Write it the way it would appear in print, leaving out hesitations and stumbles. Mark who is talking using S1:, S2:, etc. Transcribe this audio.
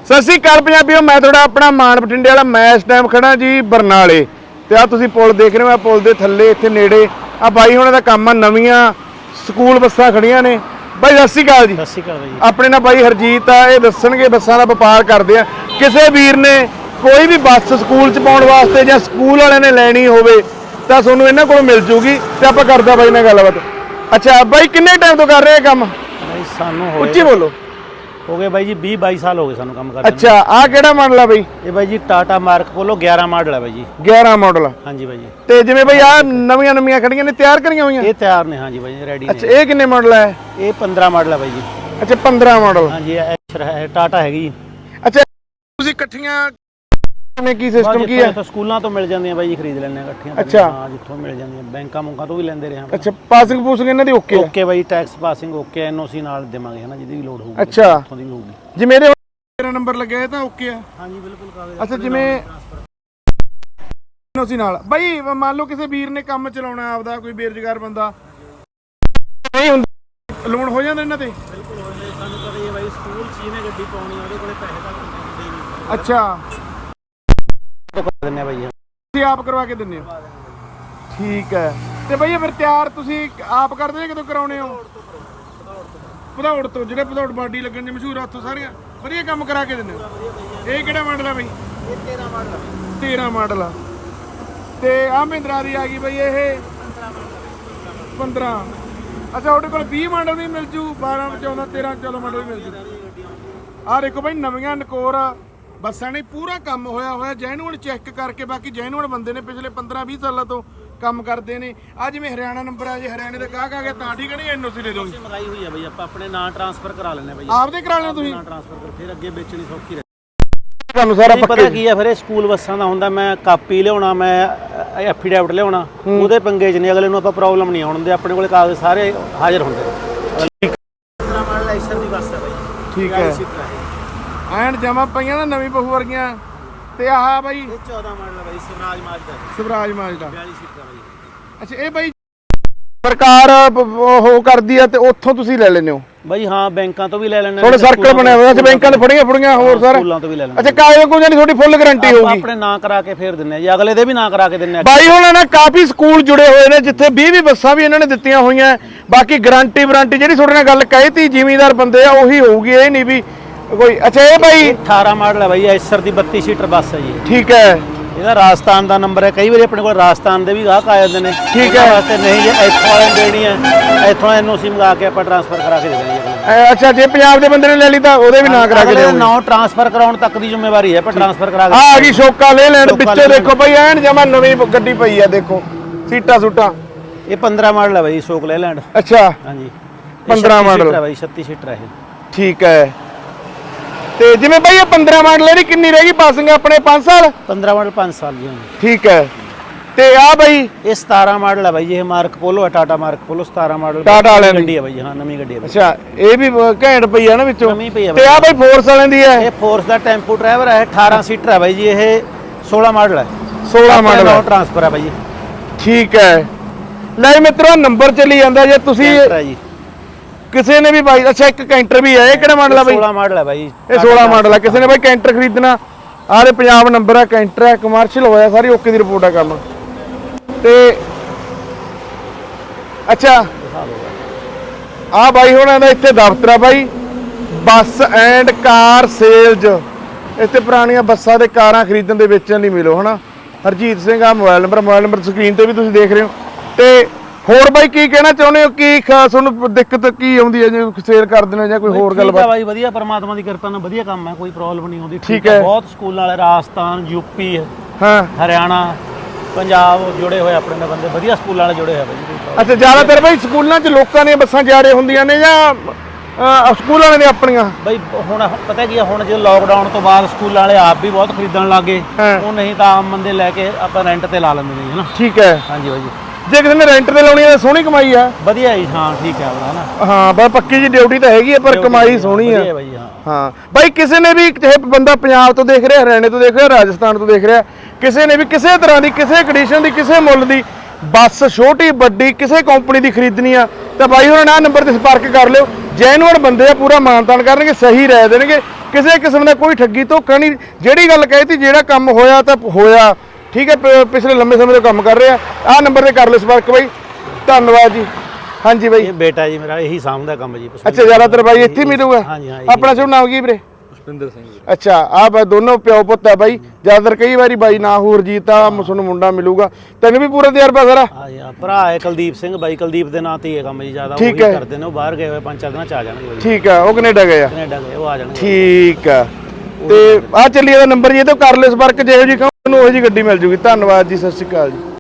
S1: ਸਤਿ ਸ਼੍ਰੀ ਅਕਾਲ ਪੰਜਾਬੀਓ, मैं थोड़ा अपना मान बठिंडे वाला मैं इस टाइम खड़ा जी बरनाले ते आ तुसीं पुल देख रहे हो। पुल दे थल्ले इत्थे नेड़े आ बाई हुणां दा काम आ, नवीआं स्कूल बसां खड़ियां ने। बाई सतਿ ਸ਼੍ਰੀ अकाल जी।
S2: सतਿ ਸ਼੍ਰੀ अकाल भाई।
S1: अपने नाल बाई हरजीत आ, ये दस्सणगे बसां दा वपार करदे आ। किसे वीर ने कोई भी बस स्कूल च पाउण वास्ते जां स्कूल वालिਆਂ ने लैणी होवे तां तुहानूं इन्हां कोलों मिल जूगी ते आपां करदा बाई नाल गलबात। अच्छा बाई किन्ने टाइम तो कर रहे काम?
S2: भाई सानू
S1: ਉੱਚੀ बोलो।
S2: हो गए भाई जी 20-22 साल हो गए सानू काम करदे।
S1: अच्छा आ किहड़ा मॉडल है बाई?
S2: ये भाई जी टाटा मार्क पोलो 11 मॉडल है भाई जी।
S1: 11 मॉडल।
S2: हाँ जी भाई जी।
S1: ਤੇ ਜਿਵੇਂ ਬਈ ਆ ਨਵੀਆਂ ਖੜੀਆਂ ਨੇ ਤਿਆਰ ਕਰੀਆਂ ਹੋਈਆਂ?
S2: ये तैयार ने। हाँ जी भाई रेडी ने।
S1: ਅੱਛਾ ਇਹ ਕਿੰਨੇ ਮਾਡਲ ਹੈ?
S2: ये 15 मॉडल है भाई जी।
S1: ਅੱਛਾ 15 ਮਾਡਲ।
S2: हाँ जी एशर है, टाटा हैगी जी।
S1: ਅੱਛਾ ਤੁਸੀਂ ਇਕੱਠੀਆਂ ਕਿਵੇਂ ਕੀ ਸਿਸਟਮ ਕੀ ਹੈ?
S2: ਸਕੂਲਾਂ ਤੋਂ ਮਿਲ ਜਾਂਦੀਆਂ ਬਾਈ ਜੀ, ਖਰੀਦ ਲੈਣੇ ਇਕੱਠੀਆਂ।
S1: ਅੱਛਾ
S2: ਹਾਂ ਜਿੱਥੋਂ ਮਿਲ ਜਾਂਦੀਆਂ, ਬੈਂਕਾਂ ਮੁੰਕਾਂ ਤੋਂ ਵੀ ਲੈਂਦੇ ਰਹੇ ਹਾਂ।
S1: ਅੱਛਾ ਪਾਸਿੰਗ ਪੂਸਿੰਗ ਇਹਨਾਂ ਦੀ ਓਕੇ ਹੈ?
S2: ਓਕੇ ਬਾਈ, ਟੈਕਸ ਪਾਸਿੰਗ ਓਕੇ, ਐਨਓਸੀ ਨਾਲ ਦੇਵਾਂਗੇ ਹਨਾ, ਜਿਹਦੀ ਵੀ ਲੋਡ ਹੋਊਗੀ
S1: ਅੱਛਾ
S2: ਉੱਥੋਂ ਦੀ ਵੀ ਹੋਊਗੀ।
S1: ਜਿਵੇਂ ਇਹਦੇ ਮੇਰਾ ਨੰਬਰ ਲੱਗਿਆ ਤਾਂ ਓਕੇ ਆ?
S2: ਹਾਂਜੀ ਬਿਲਕੁਲ ਕਾਗਜ਼।
S1: ਅੱਛਾ ਜਿਵੇਂ ਐਨਓਸੀ ਨਾਲ ਬਾਈ ਮੰਨ ਲਓ ਕਿਸੇ ਵੀਰ ਨੇ ਕੰਮ ਚਲਾਉਣਾ ਆਪਦਾ, ਕੋਈ ਬੇਰੁਜ਼ਗਾਰ ਬੰਦਾ ਨਹੀਂ ਹੁੰਦਾ, ਲੋਨ ਹੋ ਜਾਂਦਾ ਇਹਨਾਂ ਤੇ?
S2: ਬਿਲਕੁਲ ਹੋ ਜਾਂਦਾ। ਸਾਨੂੰ ਪਤਾ ਹੀ ਹੈ ਬਾਈ, ਸਕੂਲ ਚ ਜਿਹਨੇ ਗੱਡੀ ਪਾਉਣੀ ਉਹਦੇ ਕੋਲੇ ਪੈਸੇ ਤਾਂ ਹੁੰਦੇ ਹੀ ਨਹੀਂ।
S1: ਅੱਛਾ
S2: ਤੋਂ ਕਰ ਦਿੰਨੇ ਬਾਈ।
S1: ਤੁਸੀਂ ਆਪ ਕਰਵਾ ਕੇ ਦਿੰਦੇ ਹੋ? ਠੀਕ ਹੈ। ਤੇ ਬਈ ਫਿਰ ਤਿਆਰ ਤੁਸੀਂ ਆਪ ਕਰਦੇ ਹੋ ਕਿਦੋਂ ਕਰਾਉਣੇ ਹੋ? ਭਦੌੜ ਤੋਂ, ਜਿਹੜੇ ਭਦੌੜ ਬਾਡੀ ਲੱਗਣ ਦੇ ਮਸ਼ਹੂਰ ਆ ਉੱਥੋਂ ਸਾਰੀਆਂ ਵਧੀਆ ਕੰਮ ਕਰਾ ਕੇ ਦਿੰਦੇ ਹੋ। ਇਹ ਕਿਹੜਾ ਮਾਡਲ ਆ ਬਈ?
S2: ਇਹ 13 ਮਾਡਲ ਆ।
S1: 13 ਮਾਡਲ ਆ। ਤੇ ਆ ਮਹਿੰਦਰਾ ਦੀ ਆ ਗਈ ਬਈ ਇਹ 15। ਅੱਛਾ ਤੁਹਾਡੇ ਕੋਲ 20 ਮਾਡਲ ਵੀ ਮਿਲ ਜੂ, 12 14 13 14 ਮਾਡਲ ਵੀ ਮਿਲ ਜੂ। ਆਹ ਦੇਖੋ ਬਈ ਨਵੀਆਂ ਨਕੋਰ ਬੱਸਾਂ ਨੇ ਪੂਰਾ ਕੰਮ ਹੋਇਆ ਜੈਨੂਅਲ ਚੈੱਕ ਕਰਕੇ। ਬਾਕੀ ਜੈਨੂਅਲ ਬੰਦੇ ਨੇ, ਪਿਛਲੇ 15-20 ਸਾਲਾਂ ਤੋਂ ਕੰਮ ਕਰਦੇ ਨੇ। ਆ ਜਿਵੇਂ ਹਰਿਆਣਾ ਨੰਬਰ ਆ, ਜੇ ਹਰਿਆਣੇ ਦਾ ਗਾਹਕ ਆ ਗਿਆ ਤਾਂ ਠੀਕ ਨਹੀਂ ਐਨਓਸੀ ਦੇ ਦੋਗੇ?
S2: ਮੰਗਾਈ ਹੋਈ ਆ ਬਈ, ਆਪਾਂ ਆਪਣੇ ਨਾਂ ਟ੍ਰਾਂਸਫਰ ਕਰਾ ਲੈਣੇ ਬਈ।
S1: ਆਪਦੇ ਕਰਾ ਲੈਣਾ ਤੁਸੀਂ?
S2: ਨਾਂ ਟ੍ਰਾਂਸਫਰ ਕਰ, ਫਿਰ ਅੱਗੇ ਵੇਚਣੀ ਸੌਖੀ ਰਹੇ।
S1: ਤੁਹਾਨੂੰ ਸਾਰਾ
S2: ਪਤਾ ਕੀ ਆ, ਫਿਰ ਇਹ ਸਕੂਲ ਬੱਸਾਂ ਦਾ ਹੁੰਦਾ, ਮੈਂ ਕਾਪੀ ਲਿਆਉਣਾ, ਮੈਂ ਐਫੀਡੈਵਿਟ ਲਿਆਉਣਾ, ਉਹਦੇ ਪੰਗੇ 'ਚ ਨਹੀਂ ਅਗਲੇ ਨੂੰ ਆਪਾਂ ਪ੍ਰੋਬਲਮ ਨਹੀਂ ਆਉਣ ਦਿੰਦੇ। ਆਪਣੇ ਕੋਲੇ ਕਾਗਜ਼ ਸਾਰੇ ਹਾਜ਼ਰ ਹੁੰਦੇ। 15 ਮਾਡਲ ਐਸ਼ਰ ਦੀ ਬੱਸ ਹੈ ਬਈ।
S1: ਠੀਕ ਹੈ। ਐਨ ਜਮਾ ਪਈਆਂ ਨਾ ਨਵੀਂ ਬਹੂ ਵਰਗੀਆਂ। ਤੇ ਆਹ ਬਾਈ
S2: ਇਹ 14 ਮਾਡਲ ਹੈ ਬਾਈ, ਸਵਰਾਜ ਮਾਜਦਾ।
S1: ਸਵਰਾਜ ਮਾਜਦਾ
S2: 42 ਸੀਟਾਂ ਬਾਈ।
S1: ਅੱਛਾ ਇਹ ਬਾਈ ਸਰਕਾਰ ਉਹ ਕਰਦੀ ਆ ਤੇ ਉੱਥੋਂ ਤੁਸੀਂ ਲੈ ਲੈਂਦੇ ਹੋ
S2: ਬਾਈ? ਹਾਂ ਬੈਂਕਾਂ ਤੋਂ ਵੀ ਲੈ ਲੈਣੇ।
S1: ਥੋੜੇ ਸਰਕਲ ਬਣਿਆ ਹੋਇਆ ਸੀ ਬੈਂਕਾਂ ਦੇ ਫੜੀਆਂ ਹੋਰ ਸਾਰਾ
S2: ਸਕੂਲਾਂ ਤੋਂ ਵੀ ਲੈ ਲੈਣੇ।
S1: ਅੱਛਾ ਕਾਗਜ਼ ਕੋਈ ਨਹੀਂ, ਤੁਹਾਡੀ ਫੁੱਲ ਗਾਰੰਟੀ ਹੋਊਗੀ?
S2: ਆਪਣੇ ਨਾਂ ਕਰਾ ਕੇ ਫੇਰ ਦਿੰਨੇ ਆ ਜੀ, ਅਗਲੇ ਦੇ ਵੀ ਨਾਂ ਕਰਾ ਕੇ ਦਿੰਨੇ ਆ।
S1: ਬਾਈ ਹੁਣ ਨਾ ਕਾਫੀ ਸਕੂਲ ਜੁੜੇ ਹੋਏ ਨੇ ਜਿੱਥੇ 20 ਬੱਸਾਂ ਵੀ ਇਹਨਾਂ ਨੇ ਦਿੱਤੀਆਂ ਹੋਈਆਂ। ਬਾਕੀ ਗਾਰੰਟੀ ਵਾਰੰਟੀ ਜਿਹੜੀ ਤੁਹਾਡੇ ਨਾਲ ਗੱਲ ਕਹੀ ਤੀ ਜ਼ਿਮੀਂਦਾਰ ਬੰਦੇ ਆ ਉਹੀ ਹੋਊਗੀ, ਇਹ ਨਹੀਂ ਵੀ ਕੋਈ। ਅੱਛਾ ਇਹ ਬਾਈ
S2: 18 ਮਾਡਲ ਹੈ ਬਾਈ, ਐਸਰ ਦੀ 32 ਸੀਟਰ ਬੱਸ ਹੈ ਜੀ।
S1: ਠੀਕ ਹੈ।
S2: ਇਹਦਾ ਰਾਜਸਥਾਨ ਦਾ ਨੰਬਰ ਹੈ। ਕਈ ਵਾਰੀ ਆਪਣੇ ਕੋਲ ਰਾਜਸਥਾਨ ਦੇ ਵੀ ਗਾਹਕ ਆ ਜਾਂਦੇ ਨੇ।
S1: ਠੀਕ ਹੈ।
S2: ਵਾਸਤੇ ਨਹੀਂ, ਜੇ ਇੱਥੋਂ ਵਾਲੇ ਦੇਣੀ ਹੈ, ਇੱਥੋਂ ਐਨਓਸੀ ਮੰਗਾ ਕੇ ਆਪਾਂ ਟ੍ਰਾਂਸਫਰ ਕਰਾ ਕੇ ਦੇ ਦੇਣੀ।
S1: ਅੱਛਾ ਜੇ ਪੰਜਾਬ ਦੇ ਬੰਦੇ ਨੇ ਲੈ ਲਈ ਤਾਂ ਉਹਦੇ ਵੀ ਨਾਂ ਕਰਾ ਕੇ ਦਿਓ?
S2: ਨਾਂ ਟ੍ਰਾਂਸਫਰ ਕਰਾਉਣ ਤੱਕ ਦੀ ਜ਼ਿੰਮੇਵਾਰੀ ਹੈ, ਆਪਾਂ ਟ੍ਰਾਂਸਫਰ ਕਰਾ ਕੇ।
S1: ਆ ਗਈ ਸ਼ੋਕਾ ਲੈ ਲੈਣ ਵਿੱਚੋਂ ਦੇਖੋ ਬਾਈ, ਐਨ ਜਮਾ ਨਵੀਂ ਗੱਡੀ ਪਈ ਆ, ਦੇਖੋ ਸੀਟਾਂ ਸੂਟਾਂ।
S2: ਇਹ 15 ਮਾਡਲ ਹੈ ਬਾਈ, ਸ਼ੋਕ ਲੈ ਲੈਂਡ।
S1: ਅੱਛਾ
S2: ਹਾਂਜੀ
S1: 15 ਮਾਡਲ
S2: ਹੈ ਬਾਈ, 36 ਸੀਟਰ ਹੈ ਇਹ।
S1: ਠੀਕ ਹੈ। ਤੇ ਜਿਵੇਂ ਬਾਈ ਇਹ 15 ਮਾਡਲ ਇਹਦੀ ਕਿੰਨੀ ਰਹਿ ਗਈ ਪਾਸਿੰਗ ਆਪਣੇ? 5 ਸਾਲ?
S2: 15 ਮਾਡਲ 5 ਸਾਲ ਜੀ।
S1: ਠੀਕ ਹੈ। ਤੇ ਆ ਬਾਈ
S2: ਇਹ 17 ਮਾਡਲ ਹੈ ਬਾਈ ਜੀ, ਇਹ ਮਾਰਕ ਪੋਲੋ ਹੈ, Tata Marco Polo 17 model.
S1: Tata ਵਾਲਿਆਂ ਦੀ
S2: ਗੱਡੀ ਹੈ ਬਾਈ। ਹਾਂ ਨਵੀਂ ਗੱਡੀ ਹੈ।
S1: ਅੱਛਾ ਇਹ ਵੀ ਘੈਂਟ ਪਈ ਆ ਨਾ ਵਿੱਚੋਂ?
S2: ਨਵੀਂ ਪਈ ਆ।
S1: ਤੇ ਆ ਬਾਈ ਫੋਰਸ ਵਾਲਿਆਂ ਦੀ ਹੈ?
S2: ਇਹ ਫੋਰਸ ਦਾ ਟੈਂਪੂ ਡਰਾਈਵਰ ਹੈ, 18 ਸੀਟਰ ਹੈ ਬਾਈ ਜੀ। ਇਹ 16 ਮਾਡਲ ਹੈ।
S1: 16 ਮਾਡਲ ਹੈ।
S2: ਟ੍ਰਾਂਸਫਰ ਹੈ ਬਾਈ ਜੀ।
S1: ਠੀਕ ਹੈ। ਲੈ ਮਿੱਤਰੋ ਨੰਬਰ ਚੱਲੀ ਜਾਂਦਾ ਜੇ ਤੁਸੀਂ ਕਿਸੇ ਨੇ ਵੀ ਬਾਈ। ਅੱਛਾ ਇੱਕ ਕੈਂਟਰ ਵੀ ਹੈ, ਇਹ ਕਿਹੜਾ ਮਾਡਲ ਆ ਬਾਈ?
S2: 16 ਮਾਡਲ ਹੈ ਬਾਈ।
S1: ਇਹ 16 ਮਾਡਲ ਆ। ਕਿਸੇ ਨੇ ਬਾਈ ਕੈਂਟਰ ਖਰੀਦਣਾ, ਆਰੇ ਪੰਜਾਬ ਨੰਬਰ ਆ, ਕੈਂਟਰ ਹੈ, ਕਮਰਸ਼ੀਅਲ ਹੋਇਆ, ਸਾਰੀ ਓਕੇ ਦੀ ਰਿਪੋਰਟ ਆ ਕੰਮ। ਤੇ ਅੱਛਾ ਆ ਬਾਈ ਹੁਣਾਂ ਦਾ ਇੱਥੇ ਦਫ਼ਤਰ ਆ ਬਾਈ, ਬੱਸ ਐਂਡ ਕਾਰ ਸੇਲਜ਼। ਇੱਥੇ ਪੁਰਾਣੀਆਂ ਬੱਸਾਂ ਤੇ ਕਾਰਾਂ ਖਰੀਦਣ ਦੇ ਵੇਚਣ ਲਈ ਮਿਲੋ ਹਨਾ। ਹਰਜੀਤ ਸਿੰਘ ਆ ਮੋਬਾਈਲ ਨੰਬਰ ਸਕਰੀਨ ਤੇ ਵੀ ਤੁਸੀਂ ਦੇਖ ਰਹੇ ਹੋ। ਤੇ ਹੋਰ ਬਾਈ ਕੀ ਕਹਿਣਾ ਚਾਹੁੰਦੇ ਹੋ? ਕੀ ਤੁਹਾਨੂੰ ਦਿੱਕਤ ਕੀ ਆਉਂਦੀ ਹੈ ਜੇ ਸੇਲ ਕਰਦੇ ਨੇ ਜਾਂ ਕੋਈ ਹੋਰ ਗੱਲਬਾਤ?
S2: ਬਾਈ ਵਧੀਆ, ਪਰਮਾਤਮਾ ਦੀ ਕਿਰਪਾ ਨਾਲ ਵਧੀਆ ਕੰਮ ਹੈ, ਕੋਈ ਪ੍ਰੋਬਲਮ ਨਹੀਂ ਆਉਂਦੀ।
S1: ਠੀਕ ਹੈ।
S2: ਬਹੁਤ ਸਕੂਲਾਂ ਵਾਲੇ ਰਾਜਸਥਾਨ, ਯੂਪੀ,
S1: ਹਾਂ
S2: ਹਰਿਆਣਾ, ਪੰਜਾਬ ਜੁੜੇ ਹੋਏ ਆਪਣੇ ਨਾਲ ਬੰਦੇ, ਵਧੀਆ ਸਕੂਲਾਂ ਵਾਲੇ ਜੁੜੇ ਹੋਏ ਬਾਈ।
S1: ਅੱਛਾ ਜ਼ਿਆਦਾਤਰ ਬਾਈ ਸਕੂਲਾਂ 'ਚ ਲੋਕਾਂ ਦੀਆਂ ਬੱਸਾਂ ਜਾ ਰਹੇ ਹੁੰਦੀਆਂ ਨੇ ਜਾਂ ਸਕੂਲ ਵਾਲਿਆਂ ਨੇ ਆਪਣੀਆਂ?
S2: ਬਾਈ ਹੁਣ ਪਤਾ ਕੀ ਆ, ਹੁਣ ਜਦੋਂ ਲਾਕਡਾਊਨ ਤੋਂ ਬਾਅਦ ਸਕੂਲਾਂ ਵਾਲੇ ਆਪ ਵੀ ਬਹੁਤ ਖਰੀਦਣ ਲੱਗੇ, ਉਹ ਨਹੀਂ ਤਾਂ ਆਮ ਬੰਦੇ ਲੈ ਕੇ ਆਪਾਂ ਰੈਂਟ ਤੇ ਲਾ ਲੈਂਦੇ ਨੇ ਹਨਾ।
S1: ਠੀਕ ਹੈ।
S2: ਹਾਂਜੀ ਬਾਈ।
S1: ਜੇ ਕਿਸੇ ਨੇ ਰੈਂਟ ਤੇ ਲਾਉਣੀ ਹੈ ਸੋਹਣੀ ਕਮਾਈ ਆ?
S2: ਵਧੀਆ ਜੀ। ਹਾਂ ਠੀਕ ਹੈ ਹਨਾ।
S1: ਹਾਂ ਬਸ ਪੱਕੀ ਜੀ ਡਿਊਟੀ ਤਾਂ ਹੈਗੀ ਹੈ ਪਰ ਕਮਾਈ ਸੋਹਣੀ ਆ।
S2: ਬਾਈ
S1: ਹਾਂ ਬਾਈ ਕਿਸੇ ਨੇ ਵੀ ਚਾਹੇ ਬੰਦਾ ਪੰਜਾਬ ਤੋਂ ਦੇਖ ਰਿਹਾ, ਹਰਿਆਣੇ ਤੋਂ ਦੇਖ ਰਿਹਾ, ਰਾਜਸਥਾਨ ਤੋਂ ਦੇਖ ਰਿਹਾ, ਕਿਸੇ ਨੇ ਵੀ ਕਿਸੇ ਤਰ੍ਹਾਂ ਦੀ, ਕਿਸੇ ਕੰਡੀਸ਼ਨ ਦੀ, ਕਿਸੇ ਮੁੱਲ ਦੀ ਬੱਸ ਛੋਟੀ ਵੱਡੀ ਕਿਸੇ ਕੰਪਨੀ ਦੀ ਖਰੀਦਣੀ ਆ ਤਾਂ ਬਾਈ ਹੋਰਾਂ ਨਾਲ ਨੰਬਰ ਤੇ ਸੰਪਰਕ ਕਰ ਲਿਓ। ਜੈਨੂਅਨ ਬੰਦੇ ਆ, ਪੂਰਾ ਮਾਨਤਾਨ ਕਰਨਗੇ, ਸਹੀ ਰਾਏ ਦੇਣਗੇ, ਕਿਸੇ ਕਿਸਮ ਦਾ ਕੋਈ ਠੱਗੀ ਧੋਖਾ ਨਹੀਂ। ਜਿਹੜੀ ਗੱਲ ਕਹੀ ਜਿਹੜਾ ਕੰਮ ਹੋਇਆ ਤਾਂ ਹੋਇਆ, ਠੀਕ ਹੈ। ਪਿਛਲੇ ਲੰਮੇ ਸਮੇਂ ਤੋਂ ਕੰਮ ਕਰ ਰਹੇ ਆ। ਆਹ ਨੰਬਰ ਤੇ ਕਰ ਲਿਓ ਸੰਪਰਕ ਬਾਈ। ਧੰਨਵਾਦ ਜੀ। ਹਾਂਜੀ ਬਾਈ।
S2: ਇਹ ਬੇਟਾ ਜੀ ਮੇਰਾ ਇਹੀ ਸਾਂਭਦਾ ਕੰਮ ਜੀ।
S1: ਅੱਛਾ, ਜ਼ਿਆਦਾਤਰ ਬਾਈ ਇੱਥੇ ਮਿਲੂਗਾ।
S2: ਹਾਂਜੀ ਹਾਂ।
S1: ਆਪਣਾ ਸ਼ੁਭ ਨਾਮ ਕੀ ਵੀਰੇ?
S3: ਪੁਸ਼ਪਿੰਦਰ ਸਿੰਘ।
S1: ਅੱਛਾ, ਆਹ ਦੋਨੋਂ ਪਿਓ ਪੁੱਤ ਆ ਬਾਈ। ਜ਼ਿਆਦਾਤਰ ਕਈ ਵਾਰੀ ਬਾਈ ਨਾ ਹੋਰ ਜੀਤ ਆ ਤੁਹਾਨੂੰ ਮੁੰਡਾ ਮਿਲੂਗਾ। ਤੈਨੂੰ ਵੀ ਪੂਰਾ ਤਜਰਬਾ ਸਾਰਾ?
S2: ਹਾਂ ਭਰਾ ਹੈ ਕੁਲਦੀਪ ਸਿੰਘ ਬਾਈ, ਕੁਲਦੀਪ ਦੇ ਨਾਂ ਤੇ ਹੀ ਹੈ ਕੰਮ ਜੀ। ਜ਼ਿਆਦਾ ਉਹੀ ਕਰਦੇ ਨੇ, ਉਹ ਬਾਹਰ ਗਏ ਹੋਏ 5-4 ਦਿਨਾਂ ਚ ਆ ਜਾਣਗੇ ਬਾਈ।
S1: ਠੀਕ ਆ, ਉਹ ਕੈਨੇਡਾ ਗਏ ਆ?
S2: ਕੈਨੇਡਾ ਗਏ, ਉਹ ਆ ਜਾਣਗੇ।
S1: ਠੀਕ ਆ। ਤੇ ਆ ਚੱਲੀ ਇਹਦਾ ਨੰਬਰ ਜੀ, ਇਹ ਤੋਂ ਕਰ ਲਿਓ ਸੰਪਰਕ। ਜਿਹੋ ਜੀ ਕਹੋ ਉਹਨੂੰ ਉਹੋ ਜੀ ਗੱਡੀ ਮਿਲ ਜੂਗੀ। ਧੰਨਵਾਦ ਜੀ, ਸਤਿ ਸ਼੍ਰੀ ਅਕਾਲ ਜੀ।